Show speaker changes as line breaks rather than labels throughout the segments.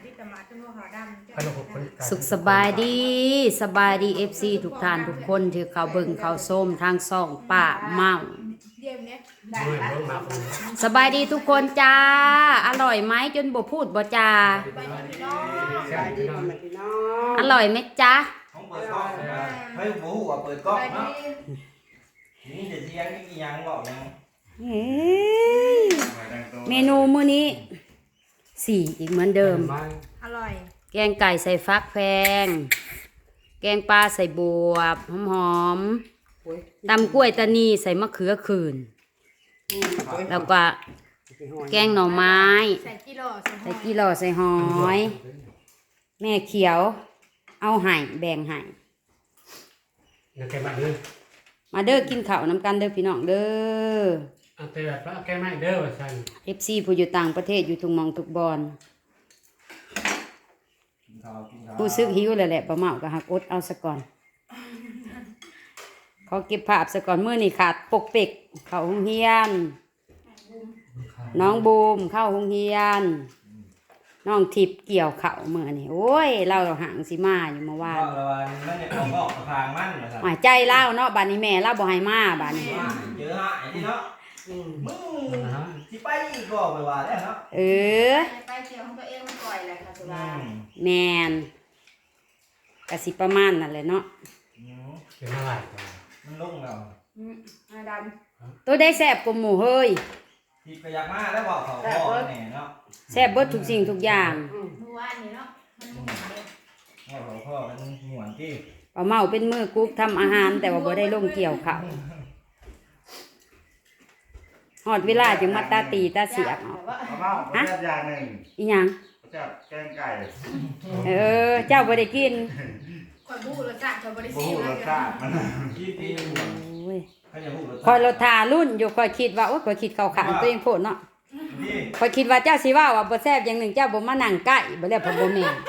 สุขสบายดีFC ทุกท่านทุกคนที่เขาเบิ่งเขาส้มทางซ่องป้าเมาสบายดีทุกคนจ้าอร่อยไหมจนบ่พูดบ่จ้าอร่อยไหมจ้า
không ปิดกล้องไม่หูว่าเปิดกล้องเนาะนี่จะเสียงกี่ยังบอกยัง
เมนูมื้อนี้4อีกเหมือนเดิม
อร่อย
แกงไก่ใส่ฟักแพงแกงปลาใส่บวบหอมๆตำกล้วยตานีใส่มะเขือขื่นแล้วก็แกงหน่อไม้
ใส่กิโล
ใส่หอยแม่เขียวเอาให้แบ่งให้มาเด้อกินข้าวน้ำกันเด้อพี่น้องเด้อ
เอาแต่แบบว่าแกไม่เด้อว่าซั่น
FC ผู้อยู่ต่างประเทศอยู่ทุกหม่องทุกบอนผู้ซึกหิวเลยแหละประเมาก็หักอดเอาซะก่อนเขาเก็บภาพซะก่อนมื้อนี้ขาดปกเป็กเข้าโรงเรียนน้องบูมเข้าโรงเรียนน้องทิพย์เกี่ยวข้าวมื้อนี้โอ้ยเราห่างสิมาอยู่เมื่อวาน
มันจะของออกทางมันเหรอครับ
หายใจเล่าเนาะบัดนี้แม่เล่าบ่ให้มาบัดนี้
เจอหายที่เนาะมึงที่ไปก็ไปว่าแล้วเนาะ
ไปเกี่ยวของตัวเองมันก่อยแหละค่ะสุรา
แมนกะสิประมาณนั่นแหละเนาะ
เป็นอะไร
มันลุ่งแล้ว
ด
ำตัวได้แซ่บกว่าหมูเฮ้ย
ที่ไปอยากมาแล้วบอกเขาพ่อแน่เนาะ
แซ่บเบิดทุกสิ่งทุกอย่าง
เมื่อวานนี้เนาะมันหมุนเลย
บอกพ่อมันหมุนที่
ป้าเมาเป็นมือกุ๊กทำอาหารแต่ว่าบ่ได้ลงเกี่ยวข้าวหอดเวลาจึงมาตาตีตาเสียบ
ฮะอย่างหนึ่ง
อีหยัง
จับแกงไก่
เจ้าบ่ได้กิน
คอยบูรสชาติคอยบริสุทธิ์
รสชาติมัน
ที่ตี
คอยรถทารุ่นอยู่คอยคิดว่าโอ้ยคอยคิดเข้าขางตัวเองโพดเนาะคอยคิดว่าเจ้าสิว่าบ่แซ่บอย่างหนึ่งเจ้าบ่มานั่งใกล้บ่แล้วบ่แม่น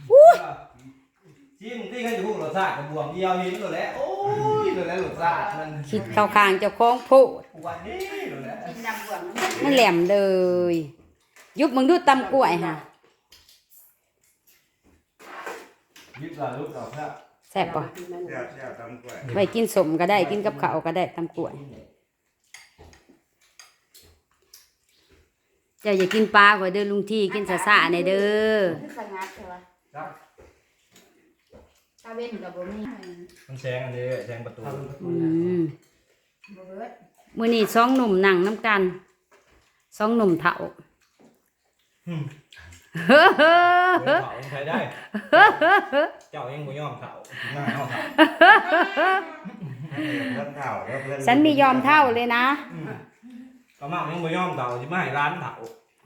จิ้มที่เขาจะพูดรสชาติกับบวมเดียวหินตัวแล้วโอ้ยตัวแล้วรสชาติมัน
คิดเข้าขางเจ้าของโพด
วันนี้ตัวแล้ว
กินดำบวม
มันแหลมเลยยุบมึงดูตำกล้วยฮะ
ยุบเราลูกเราครับ
แซ่บป่ะ
แซ่บตำกล้วย
ไปกินสมก็ได้กินกับข้าวก็ได้ตำกล้วยเจ้าอย่ากินปลาขอเด้อลุงที่กินซะๆในเด้อ
สงัดใช่ปะตาเว้นกับบ่มี
มันแซงอันนี้แซงประตู
มื้อนี้สองหนุ่มนั่งน้ำกันสองหนุ่มเฒ่า
เฮ้อใช้ได้เจ้าเองบ่ยอมเฒ่า
ฉันมียอมเท่าเลยนะ
ประมาณยังบ่ยอมเฒ่าสิมาให้ร้านเฒ่า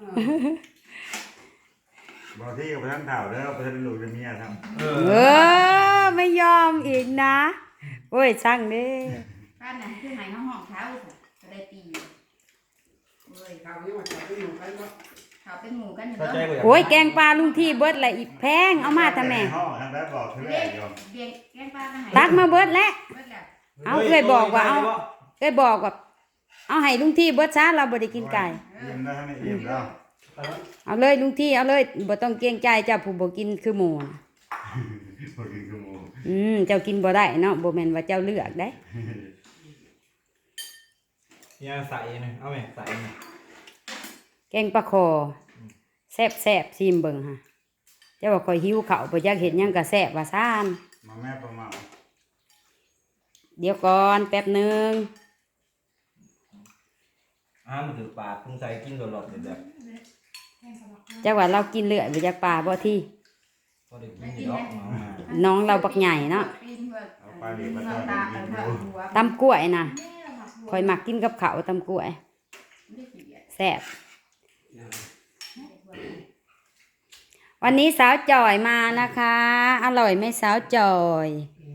บอกที่กับท่านเฒ่าแล้วท่านลูกจะมีอะไรท
ำไม่ยอมอีกนะโอ้ยช่างดิ
บ้านไหนคือไหนห้องเท้าจะได้ตีโอ้ยเขาเป็นหมูกันเนาะเขาเป็นหมูกันเนาะ
โอ้ยแกงปลาลุงที่เบิดละอีกแพงเอามาทำไมตักมาเบิดแล้วเอาเคยบอกว่าเอาให้ลุงที่เบิดซะเราบ่ได้กินไก่เอาเลยลุงที่เอาเลยบ่ต้องเกรงใจเจ้าผู้บ่กินคือหมูเจ้ากินบ่ได้เนาะบ่แม่นว่าเจ้าเลือกได้
เนี่ยใส่นะเอาไหมใส่
แกงปลาคอแซ่บซิมเบิ่งฮะเจ้าว่าคอยหิวข้าวบ่อยากเห็นหยังก็แซ่บว่าซ่าน
มาแม่ประมา
เดี๋ยวก่อนแป๊บนึง
มันถือปลาคงใส่กินหลอดๆแบบ
เจ้าว่าเรากินเลือดบ่อยากปลาบ่ที่น้องเราบักใหญ่เนาะตำกล้วยนะคอยมักกินกับข้าวตำกล้วยแซ่บวันนี้สาวจอยมานะคะอร่อยไหมสาวจอย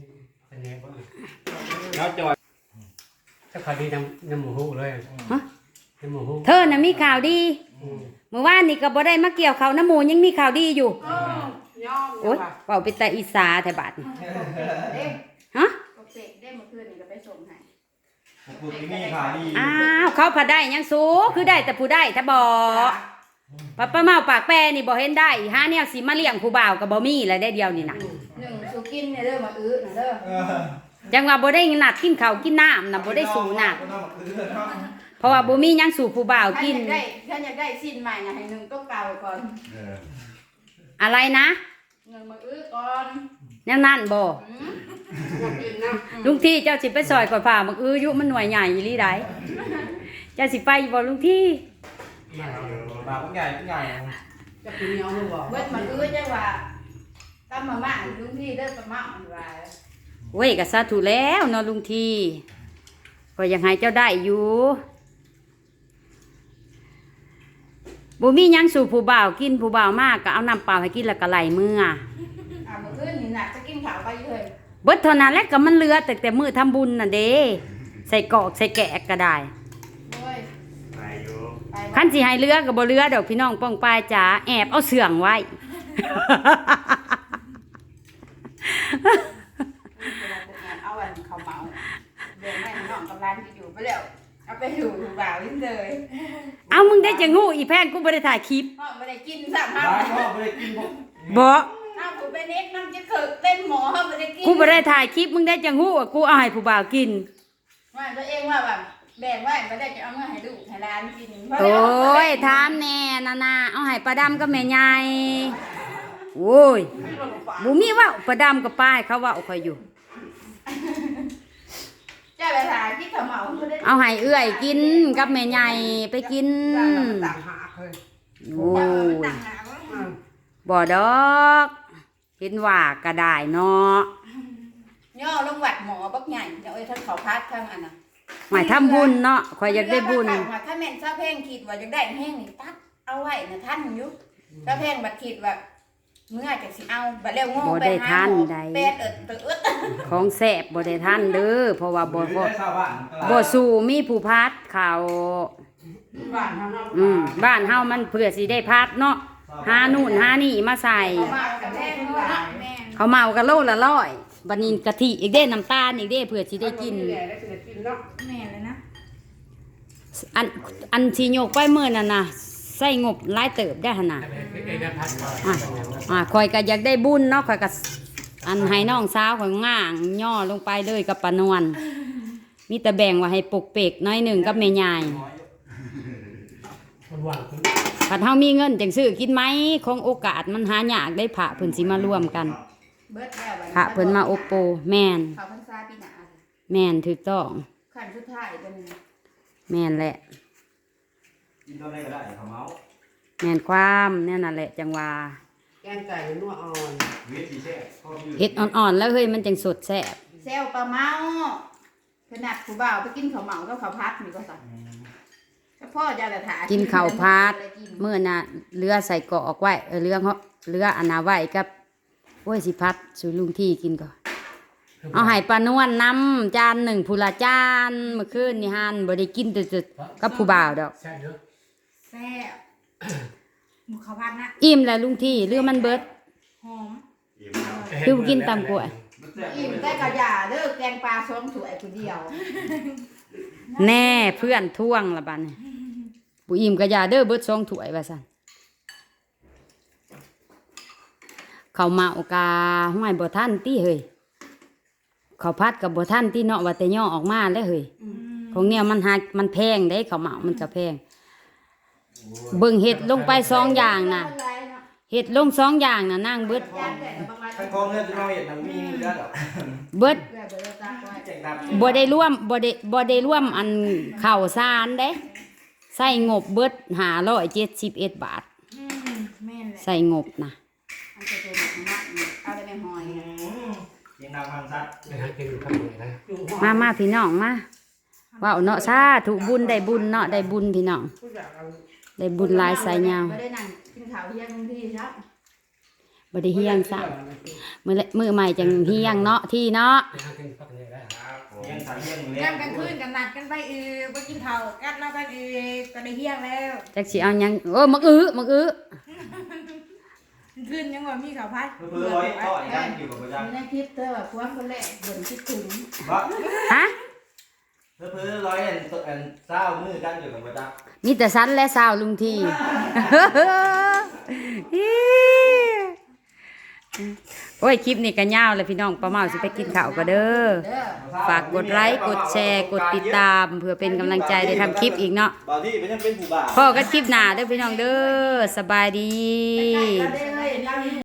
สาวจอย
ถ้าข่าวดีน้ำหมูหูเลย
ฮะเธอน่ะมีข่าวดีเมื่อวานนี่ก็บ่ได้มาเกี่ยวข้าวน้ำหมูยังมีข่าวดีอยู่โอ๊ยเป่าเป็นตาอีสาแถวบ้านฮะ
ได้เมื่อคืนนี่ก็ไปส่งให้
อ้าวเขาพาได้ยังสูคือได้แต่ผู้ได้ถ้าบอกป้าเมาปากแปรนี่บ่เห็นได้หาแนวสิมาเลี้ยงผู้บ่าวก็บ่มีแล้วได้เดียวนี่น่ะ
หนึ่งสุกินเนี่ยเด้อมาอื้อน่ะเด้อ
จังว่าบ่ได้นัดกินข้าวกินน้ำน่ะบ่ได้สู่น้ำเพราะว่าบ่มีหยังสู่ผู้บ่าวกิน
ท่านอยากได้สิ้นใหม่น่ะให้หนึ่งต้องเก่าก่อน
เออ
อะไรนะ
หนึ่งมาอื้อก่อน
แนวนั้นบ่ลุงที่เจ้าสิไปซอยก่อนผ่ามักอยู่มันหน่วยใหญ่อีหลีใดเจ้าสิไปบ่ลุงที่
มาเอา
ปากใหญ่ใหญ่
เบิดมาอื้อจังว่าตำมาม่าลุงที่เด้อตำมาม่าว่า
เว้ยก็สาธุแล้วเนาะลุงที่ก็ยังให้เจ้าได้อยู่บ่มีหยังสู่ผู้บ่าวกินผู้บ่าวมากก็เอาน้ำเปล่าให้กินแล้วก็ไหลมือ
มื้อคืนนี่น่ะจะกินข้าวไปเลย
เบิดเท่านั้นแหละก็มันเหลือแต่มื้อทำบุญน่ะเด้ใส่กอกใส่แกะก็ได้
โอ้ย
ไปอยู่
ไป
คันสิให้เหลือก็บ่เหลือดอกพี่น้องป้องปายจ๋าแอบเอาเสื่องไว้
เอาอันข้าวเหมาเดี๋ยวแม่น้องกำลังจะอยู่ไปแล้วเอาไปอยู่บ่าวลิ้นเลย
เอามึงได้จะงูอีแพนกูบ่ได้ถ่ายคลิป
พ่อไม่ได้กินสัก
ร้า
พัก
นพ่อไม่ได้กินพวก
บ่
ถ้าผมไปเน็กน้ำจะเกิดเต้นหมอเขาไม่ได้กิน
กูบ่ได้ถ่ายคลิปมึงได้จะงูอ่ะกูเอาให้ผู้บ่าวกิน
ว่าตัวเองว่าแบบแบ่งไว้ไม่ได้จะเอาเงินให้ลูกให้ร้านกิน
โอ้ยถามแน่นาเอาให้ป้าดำกับแม่ใหญ่โอ้ยบ่มีเว้าป้าดำกับป้าให้เขาเว้าค่อยอยู่
เจ้าไปหาที่เขาเหมาเขาได้
เอาให้เอื้อยกินกับแม่ใหญ่ไปกินโอ้ย
ต่างหาก
บ่ดอกเห็นว่าก็ได้เนาะ
ย่อลงวัดหมอบักใหญ่เดี๋ยวไอ้ท่านเขาพัดข้างอันน่ะ
หมายทำบุญเนาะข่อยอยากได้บุญ
ถ้าแม่นเจ้าเพ่งคิดว่าอยากได้แห้งนี่ตัดเอาไว้นะท่านยุบเจ้าเพ่งบัดคิดว่าเมื่อจะสิเอาบัดเร็วโง่ไปหาหมอเป็ดตึ๊ด
ของแซ่บบ่ได้ทันเด้อเพราะว่าบ่
ได้ชาวบ้าน
บ่สู่มีผู้พัดเขา
บ้านเขาเนาะ
บ้านเฮามันเพื่อสิได้พัดเนาะหานู่นหานี่มาใส่
เขามากับแม่เนาะแม่
เขาเมากันโลละร้อยบัดนี้กะทิอีกเด้น้ำตาลอีกเด้เพื่อสิได้กิน
แม่เลยนะ
อันสิโยกไปมื้อนั่นน่ะใส่งบหลายเติบได้หั่นน่ะ
เอกพันธ์ก่อน
ข่อยก็อยากได้บุญเนาะข่อยก็อันให้น้องสาวข่อยง่างย่อลงไปเลยกับปานวลมีแต่แบ่งไว้ให้ปกเปกน้อยหนึงกับแม่ยาย
คนว่างคน
ถ้าเฮามีเงินจังซื้อกินไหมของโอกาสมันหายากได้พระเพิ่นสิมาร่วมกัน
เบิดแล้ว
พระเพิ่นมาโอโปแม่น
เขาพรรษาปีหน้า
แม่นถูกต้อง
ขั้นสุดท้ายเป็น
แม่นแหละ
กินตัวไหนก็ได้เขาเมา
แม่นความแน่นั่นแหละจังว่า
แกงไก่นัวอ่อน
เวทีแช่พ่ออยู่
เฮ็ดอ่อนๆแล้วเฮ้ยมันจังสดแซ่บ
เซลปลาเมาขนาดผู้บ่าวไปกินข้าวเหมาก็ข้าวพัดมีก็สั่งพ่อจะแต่ถา
กินข้าวผัดมื้อน่ะเรือใส่กรอกไว้เรืออันน่ะไว้กับโอ้ยสิพัดสู่ลุงที่กินก่อนเอาให้ปานวลนำจานหนึ่งผู้ละจานเมื่อคืนนี่หั่นบ่ได้กินแต่กับผู้บ่าวดอก
ใช่เนอะ
แซ่บหมูข้าวผัดนะ
อิ่มแล้วลุงที่เรือมันเบิด
หอม
อิ่มแล้ว
คือกินตำกล้วย
อิ่มได้กระยาเด้อแกงปลาซ้อมสวยคนเดียว
แน่เพื่อนท่วงละบัดนี้ผู้อิ่มก็อย่าเด้อเบิด2ถ้วยว่าซั่นข้าวเมากาห้วยบ่ทันติเฮ้ยข้าวผัดกับบ่ทันติเนาะว่าแต่ย่อออกมาแล้วเฮ้ยของเนี่ยมันแพงเด้ข้าวเมามันก็แพงเบิ่งเห็ดลงไป2อย่างน่ะเห็ดลง2อย่างน่ะนางเบิด
ทั้งกองเลือดจะน้อยทั้งมีเลือดหรอ
เบิด
เจ็บดับ
บ่ได้ร่วมอันข้าวสารเด้ใส่งบเบิด571 บาท
แม่นแหละ
ใส่งบนะ
อันจะเป็นแบบนี้เอาได้ไม่หอย
เสียงดังพังซัด
ไปหากินข้าวเหนียวนะ
มาพี่น้องมาว้าวเนาะสาธุบุญได้บุญเนาะได้บุญพี่น้อง
ผู้อยากเอา
ได้บุญหลายสายยาว
ไม่ได้นั่งกินข้าวเที่ยงที่ครับ
บ่ได้เฮียงซะมื้อใหม่จังเฮียงเนาะที่เนาะ
ไปหากินข้าวเหนียวได้
ครับผม
ยังสั่งยังเลี้ย
ย่างกลางคืนกันนัดกันไปไปกินข้าวกันแล้วกันก็ได้เที่ยงแล้ว
จักสิเอาหยังโอ้มักอื้อ
คืนยังว่ามีข้าวผัด
เพื่อร้อยต่อยกันอยู่กับประจัน
ในคลิปเธอแบบพวงคนแรกบ่นคิดถึง
เพราะ
ฮะ
เพิ่นร้อยอันเศร้ามือกันอยู่กับบ่จัก
มีแต่สันและสาวลุงที โอ้ยคลิปนี้ก็ยาวเลยพี่น้องป้าเมาสิไปกินข้าวก็เด้อ
เด้อ
ฝากกดไลค์กดแชร์กดติดตามเพื่อเป็นกำลังใจได้ทำคลิปอีกเนาะ
บ่ที่เป็นยังเป็นผู้บ่าว
พ่อก็คลิปหน้าเด้อพี่น้องเด้อสบายดี
ไปไกลกันเด้อเฮ้ย